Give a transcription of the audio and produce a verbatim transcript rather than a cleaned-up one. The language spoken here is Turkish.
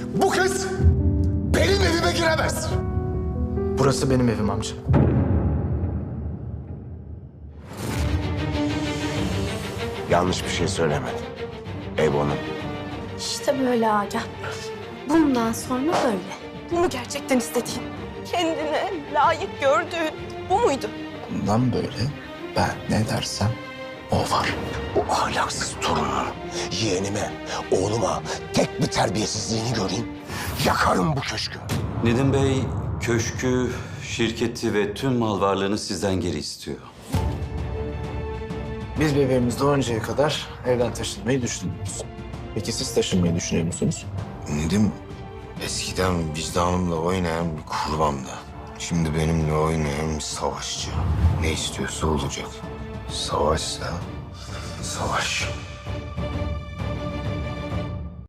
Bu kız benim evime giremez. Burası benim evim amca. Yanlış bir şey söylemedin. Ev onun. İşte böyle Agah. Bundan sonra böyle. Bu mu gerçekten istediğin? Kendine layık gördüğün bu muydu? Bundan böyle ben ne dersem o var. Bu ahlaksız torunun yeğenime, oğluma tek bir terbiyesizliğini göreyim. Yakarım bu köşkü. Nedim Bey köşkü, şirketi ve tüm mal varlığını sizden geri istiyor. Biz bebeğimiz doğuncaya kadar evden taşınmayı düşünmüyoruz. Peki siz taşınmayı düşünüyor musunuz? Nedim eskiden vicdanımla oynayan bir kurbandı. Şimdi benimle oynayan bir savaşçı. Ne istiyorsa olacak. Savaşsa savaş.